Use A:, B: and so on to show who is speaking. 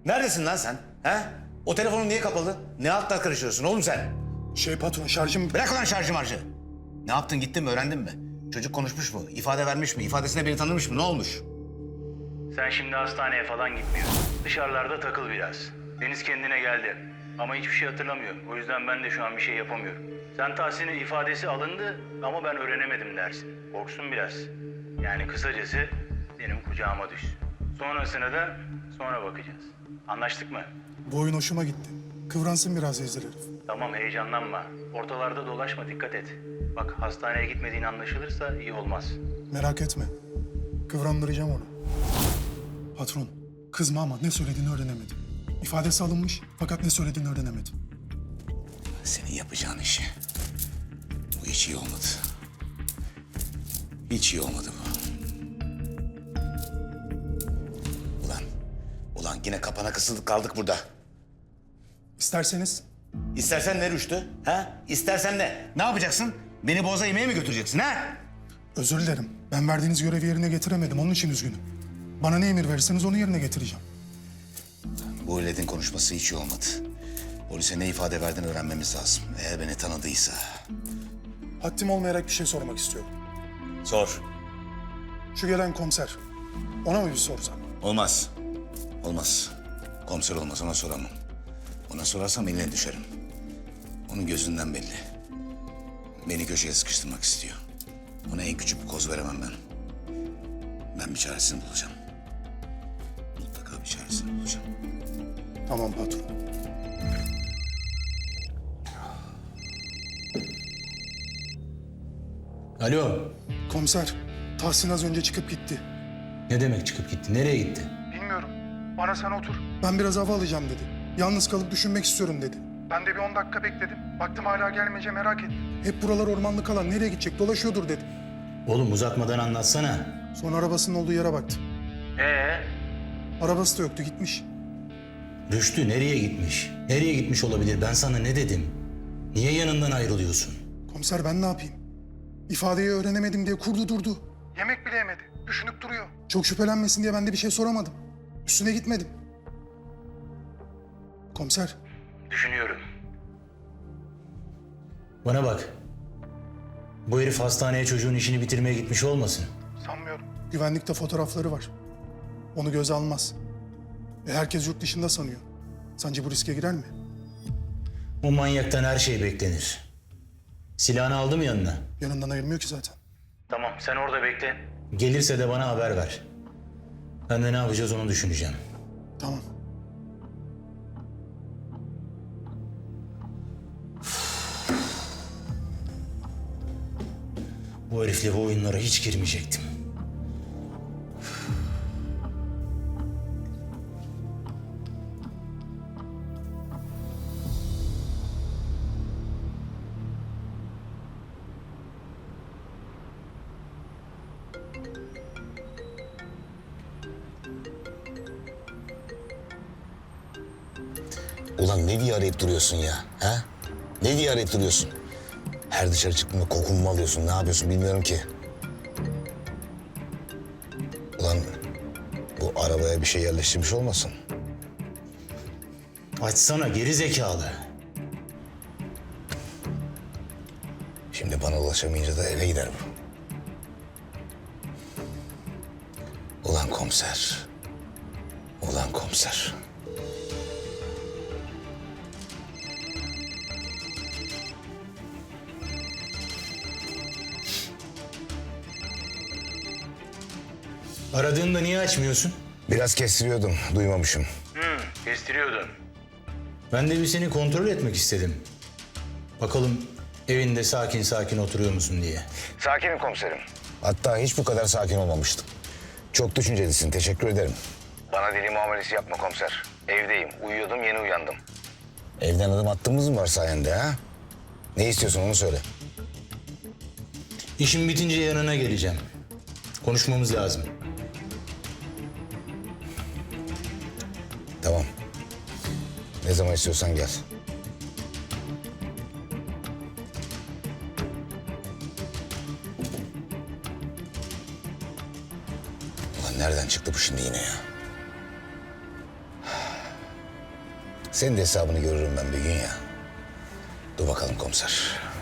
A: Neredesin lan sen? He? O telefonun niye kapalı? Ne altlar karışıyorsun oğlum sen?
B: Patron şarjım...
A: Bırak ulan şarjı marjı. Ne yaptın, gittin mi, öğrendin mi? Çocuk konuşmuş mu? İfade vermiş mi? İfadesine beni tanımış mı? Ne olmuş?
C: Sen şimdi hastaneye falan gitmiyorsun. Dışarılarda takıl biraz. Deniz kendine geldi. Ama hiçbir şey hatırlamıyor. O yüzden ben de şu an bir şey yapamıyorum. Sen Tahsin'in ifadesi alındı ama ben öğrenemedim dersin. Korksun biraz. Yani kısacası benim kucağıma düş. Sonrasına da sonra bakacağız. Anlaştık mı?
B: Bu oyun hoşuma gitti. Kıvransın biraz vezir herif.
C: Tamam, heyecanlanma. Ortalarda dolaşma, dikkat et. Bak, hastaneye gitmediğin anlaşılırsa iyi olmaz.
B: Merak etme. Kıvrandıracağım onu. Patron, kızma ama ne söylediğini öğrenemedim. İfadesi alınmış fakat ne söylediğini öğrenemedim.
A: Senin yapacağın işi. Bu hiç iyi olmadı. Hiç iyi olmadı bu. Ulan yine kapana kısıldık kaldık burada.
B: İsterseniz
A: İstersen ne Rüştü? Ha? İstersen ne? Ne yapacaksın? Beni boza yemeğe mi götüreceksin ha?
B: özür dilerim. Ben verdiğiniz görevi yerine getiremedim. Onun için üzgünüm. Bana ne emir verirseniz onu yerine getireceğim.
A: Bu öyledin konuşması hiç iyi olmadı. Polise ne ifade verdiğini öğrenmemiz lazım. Eğer beni tanıdıysa.
B: Haddim olmayarak bir şey sormak istiyorum.
A: Sor.
B: Şu gelen komiser. Ona mı bir sorsam?
A: Olmaz. Olmaz. Komiser olmaz, ona soramam. Ona sorarsam eline düşerim. Onun gözünden belli. Beni köşeye sıkıştırmak istiyor. Ona en küçük bir koz veremem ben. Ben bir çaresini bulacağım. Mutlaka bir çaresini bulacağım.
B: Tamam patron.
D: Alo.
B: Komiser, Tahsin az önce çıkıp gitti.
D: Ne demek çıkıp gitti? Nereye gitti?
B: Bilmiyorum. Bana sen otur. Ben biraz hava alacağım dedi. Yalnız kalıp düşünmek istiyorum dedi. Ben de bir 10 dakika bekledim. Baktım hala gelmeyince merak ettim. Hep buralar ormanlık alan. Nereye gidecek? Dolaşıyordur dedi.
D: Oğlum uzatmadan anlatsana.
B: Sonra arabasının olduğu yere baktım.
C: Ee?
B: Arabası da yoktu, gitmiş.
D: Rüştü nereye gitmiş? Nereye gitmiş olabilir? Ben sana ne dedim? Niye yanından ayrılıyorsun?
B: Komiser ben ne yapayım? İfadeyi öğrenemedim diye kurdu durdu. Yemek bile yemedi. Düşünüp duruyor. Çok şüphelenmesin diye ben de bir şey soramadım. Üstüne gitmedim. Komiser,
C: Düşünüyorum.
D: Bana bak. Bu herif hastaneye çocuğun işini bitirmeye gitmiş olmasın?
B: sanmıyorum. Güvenlikte fotoğrafları var. Onu göze almaz. Herkes yurt dışında sanıyor. Sence bu riske girer mi?
D: O manyaktan her şey beklenir. Silahını aldı mı yanına?
B: Yanından ayırmıyor ki zaten.
C: Tamam, sen orada bekle.
D: Gelirse de bana haber ver. Ben de ne yapacağız onu düşüneceğim.
B: Tamam.
D: Bu herifle bu oyunlara hiç girmeyecektim.
E: Ulan ne diye arayıp duruyorsun ya? Ha? Ne diye arayıp duruyorsun? Her dışarı çıktığında kokumu mu alıyorsun? Ne yapıyorsun bilmiyorum ki. Ulan bu arabaya bir şey yerleştirmiş olmasın?
D: Açsana geri zekalı.
E: Şimdi bana ulaşamayınca da eve gider bu. Ulan komiser. Ulan komiser.
D: Aradığında niye açmıyorsun?
E: Biraz kestiriyordum, duymamışım.
C: Kestiriyordun.
D: Ben de bir seni kontrol etmek istedim. Bakalım evinde sakin sakin oturuyor musun diye.
E: Sakinim komiserim. Hatta hiç bu kadar sakin olmamıştım. Çok düşüncelisin, teşekkür ederim. Bana deli muamelesi yapma komiser. Evdeyim, uyuyordum, yeni uyandım. Evden adım attığımız mı var sayende ha? Ne istiyorsun onu söyle.
D: İşim bitince yanına geleceğim. Konuşmamız lazım.
E: Tamam. Ne zaman istiyorsan gel. Ulan nereden çıktı bu şimdi yine ya? Senin de hesabını görürüm ben bir gün ya. Dur bakalım komiser.